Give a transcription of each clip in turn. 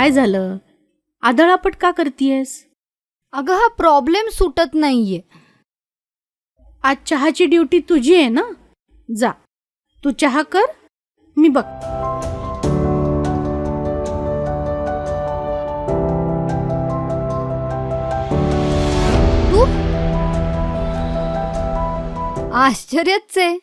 काय झालं? आदळापट का करतीयस? अगं हा प्रॉब्लेम सुटत नाहीये. आज चहाची ड्युटी तुझी आहे ना? जा, तू चहा कर, मी बघ. तू आश्चर्यच आहे.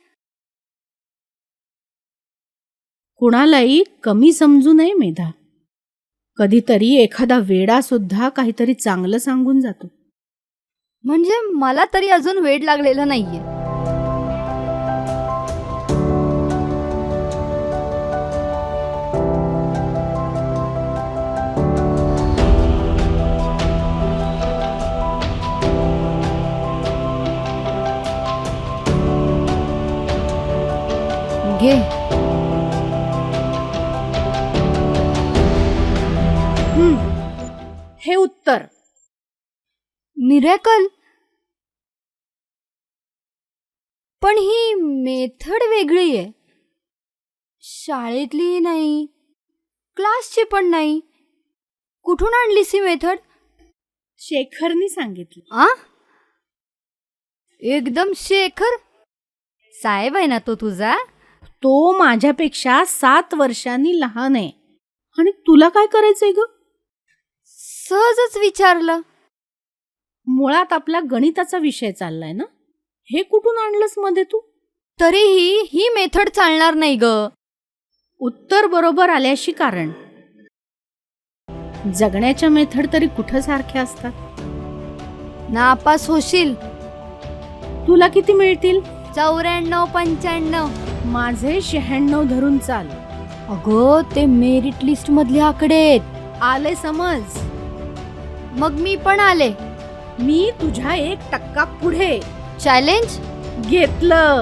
कुणालाही कमी समजू नये मेधा. कधीतरी एखादा वेडा सुद्धा काहीतरी चांगलं सांगून जातो. म्हणजे मला तरी अजून वेड लागलेलं नाहीये. घे. हे उत्तर. मिरेकल. पण ही मेथड वेगळी आहे. शाळेतली नाही, क्लासची पण नाही. कुठून आणलीस ही मेथड? शेखरनी सांगितलं. आ? एकदम शेखर साहेब आहे ना तो तुझा? तो माझ्यापेक्षा 7 वर्षांनी लहान आहे. आणि तुला काय करायचंय ग? सहजच विचारलं. मुळात आपला गणिताचा विषय चाललाय ना. हे कुठून आणलंस मध्ये तू? तरीही ही मेथड चालणार नाही ग. उत्तर बरोबर आल्याशी कारण. जगण्याच्या मेथड तरी कुठं सारख्या असतात? नापास होशील. तुला किती मिळतील? 94, 95. माझे 96 धरून चाल. अगं ते मेरिट लिस्ट मधले आकडे आहेत. आले समज. मग मी पण आले. मी तुझ्या 1% पुढे. चॅलेंज घेतलं.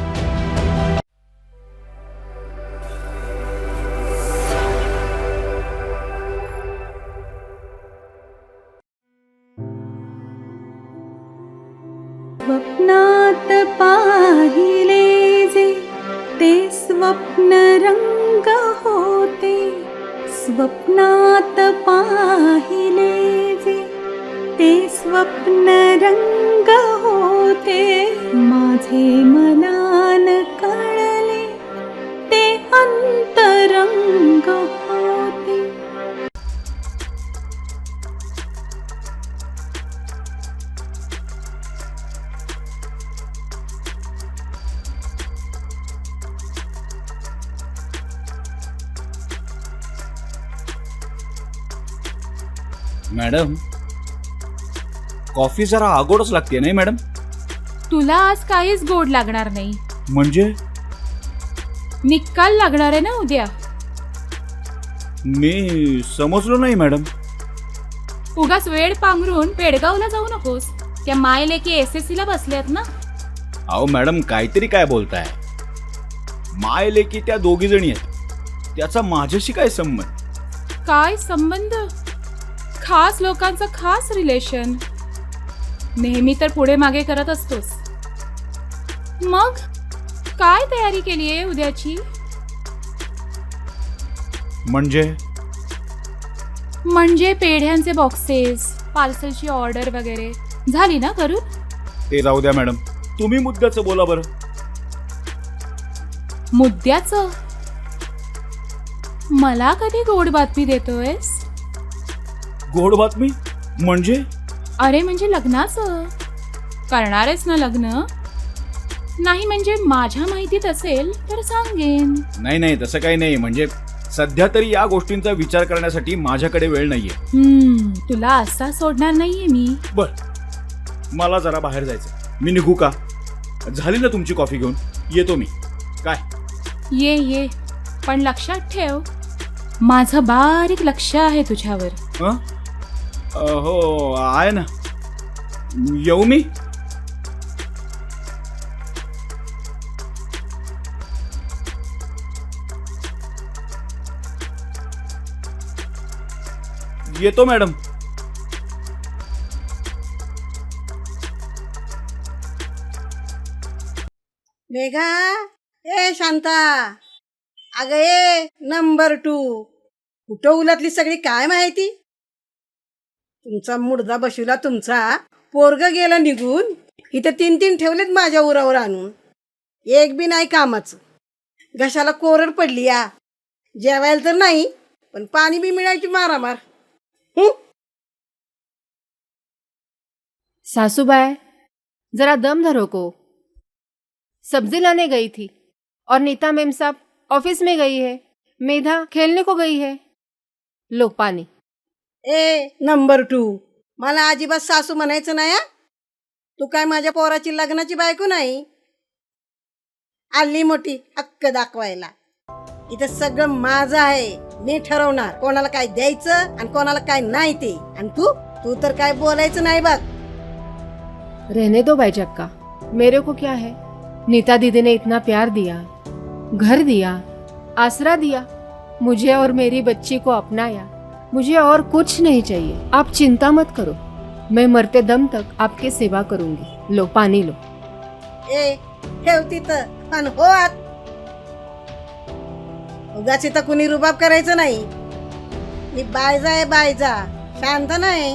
स्वप्नात पाहिले जे ते स्वप्न रंग होते. स्वप्नात पाहिले जे ते स्वप्न रंग होते. माझे मनान कळले ते अंतरंग होते. मॅडम, कॉफी जरा आगोडच लागते नाही मॅडम? तुला आज काहीच गोड लागणार नाही. म्हणजे निकाल लागणार आहे ना उद्या. मी समजलो नाही मॅडम. उगाच वेळ पांघरून पेडगावला जाऊ नकोस. त्या मायलेकी SSC ला बसल्यात ना. अहो मॅडम, काहीतरी काय बोलताय? माय लेकी त्या दोघी जणी आहेत, त्याचा माझ्याशी काय संबंध? काय संबंध? खास लोकांचं खास रिलेशन. नेहमी तर पुढे मागे करत असतोस. मग काय तयारी केली आहे उद्याची? म्हणजे पेढ्यांचे बॉक्सेस, पार्सलची ऑर्डर वगैरे झाली ना करून? ते जाऊ द्या मॅडम, तुम्ही मुद्द्याचं बोला बरं. मुद्द्याचं? मला कधी गोड बातमी देतोयस? गोड बातमी म्हणजे? अरे म्हणजे लग्नाचं. करणार आहेस ना लग्न? नाही म्हणजे माझ्या माहितीत असेल तर सांगेन. नाही तसं काही नाही. म्हणजे सध्या तरी या गोष्टींचा विचार करण्यासाठी माझ्याकडे वेळ नाहीये. तुला असा सोडणार नाहीये मी. बर, मला जरा बाहेर जायचं. मी निघू का? झाली ना तुमची कॉफी घेऊन? येतो मी. काय? ये पण लक्षात ठेव, माझं बारीक लक्ष आहे तुझ्यावर. हो आहे ना. येऊ मी? येतो मॅडम. मेघा, ए शांता, अगं ये नंबर 2. कुठं उलातली सगळी काय माहिती. तुमचा मुडदा बशिवला तुमचा, पोरग गेला निघून. इथं 3 ठेवलेत माझ्या उरावर आणून, एक बी नाही कामाचं. घशाला कोरड पडली या. जेवायला तर नाही, पण पाणी बी मिळायची मारामार. सासूबाई, जरा दम धरो को. सब्जी लाने गई थी और नीता मेम साहब ऑफिस में गई है, मेधा खेलने को गई है. लो पानी. नंबर 2, मला अजिबात सासू म्हणायचं नाही हा. तू काय माझ्या पोराची लग्नाची बायको नाही. आली मोठी हक्क दाखवायला. इथं सगळं माझं आहे. मी ठरवणार कोणाला काय द्यायचं आणि कोणाला काय नाही ते. आणि तू तर काय बोलायचं नाही बघ. रहने दो भाई चक्का, मेरे को क्या है. नीता दीदी ने इतना प्यार दिया, घर दिया, आसरा दिया, मुझे और मेरी बच्ची को अपनाया. मुझे और कुछ नहीं चाहिए. आप चिंता मत करो, मैं मरते दम तक आपकी सेवा करूंगी. लो पानी लो. ठेव तिथं आणि हो आत. उगाच इथं कुणी रुबाब करायचं नाही. मी बायजा आहे, बायजा, शांत नाही.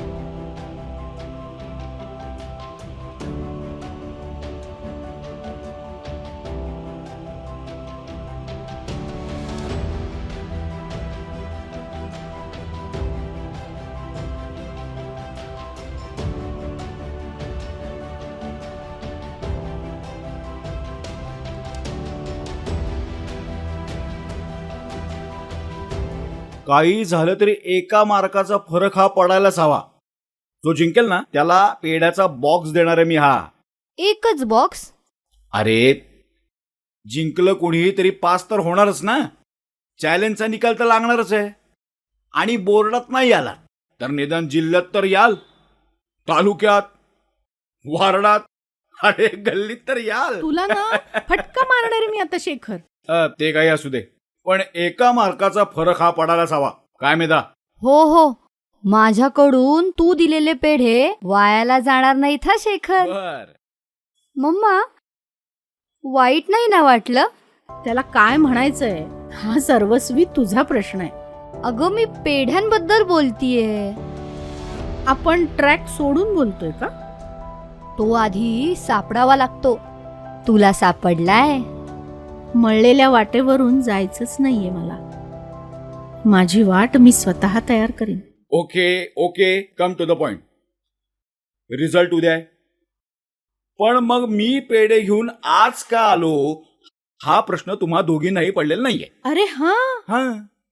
काही झालं तरी एका मार्काचा फरक हा पडायलाच हवा. जो जिंकेल ना त्याला पेढ्याचा बॉक्स देणार आहे मी. हा एकच बॉक्स? अरे जिंकलं कोणीही तरी पास तर होणारच ना. चॅलेंजचा निकाल तर लागणारच आहे. आणि बोर्डात नाही आला तर निदान जिल्ह्यात तर याल, तालुक्यात, वार्डात, अरे गल्लीत तर याल. तुला ना फटका मारणार आहे मी आता शेखर. ते काही असू दे, पण एका मार्काचा फरक हा पडायलाच हवा. काय मेधा? हो, माझ्याकडून तू दिलेले पेढे वायाला जाणार नाहीत हा शेखर. बर. मम्मा, वाईट नाही ना वाटलं? त्याला काय म्हणायचंय, हा सर्वस्वी तुझा प्रश्न आहे. अगं मी पेढ्यांबद्दल बोलतीये. आपण ट्रॅक सोडून बोलतोय का? तो आधी सापडावा लागतो. तुला सापडलाय? मळलेल्या वाटेवरून जायचंच नाहीये मला. माझी वाट मी स्वतः तयार करीन. Okay, come to the point. Result उद्या आहे. पण मग मी पेढे घेऊन आज का आलो हा प्रश्न तुम्हा दोघींनाही पडलेला नाहीये. अरे हा,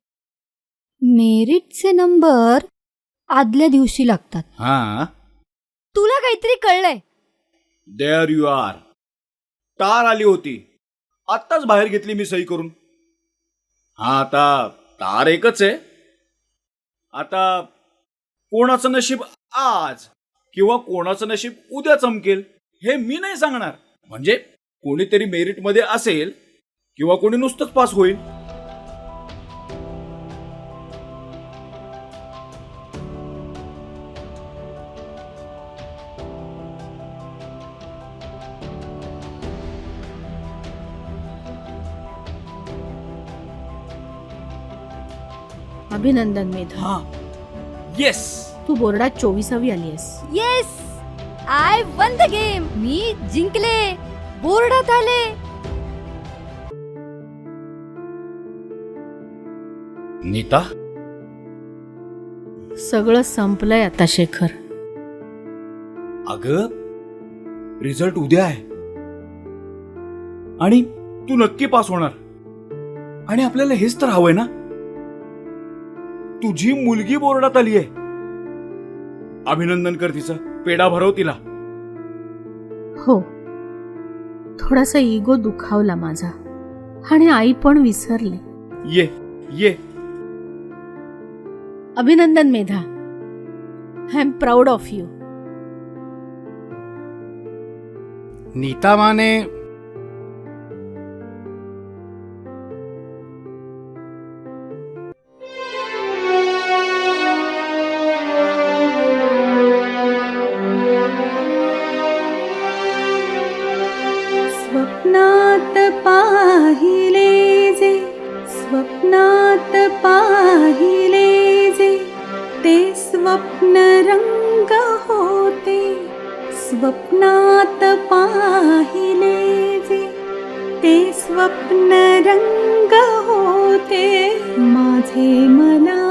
मेरिटचे नंबर आदल्या दिवशी लागतात. तुला काहीतरी कळलंय? There you R. तार आली होती, आत्ताच बाहेर घेतली मी सही करून. आता तार एकच आहे. आता कोणाचं नशीब आज किंवा कोणाचं नशीब उद्या चमकेल हे मी नाही सांगणार. म्हणजे कोणीतरी मेरिट मध्ये असेल किंवा कोणी नुसतंच पास होईल. अभिनंदन मेधा. येस, तू बोर्डात 24वी आली आहेस. Yes, I won the game. मी जिंकले, बोर्डात आले. नीता, सगळं संपलंय आता शेखर. अगं रिझल्ट उद्या आहे आणि तू नक्की पास होणार. आणि आपल्याला हेच तर हवंय ना. तुझी मुलगी बोर्डात आली आहे. अभिनंदन कर तिचं. पेढा भरव तिला. हो, थोडासा इगो दुखावला माझा आणि आई पण विसरले. ये. अभिनंदन Medha. I am proud of you. Neeta Mane स्वप्नात पाहिले जे, स्वप्नात पाहिले स्वप्न रंग होते स्वप्नात पाहिले जे ते स्वप्न रंग होते माझे मना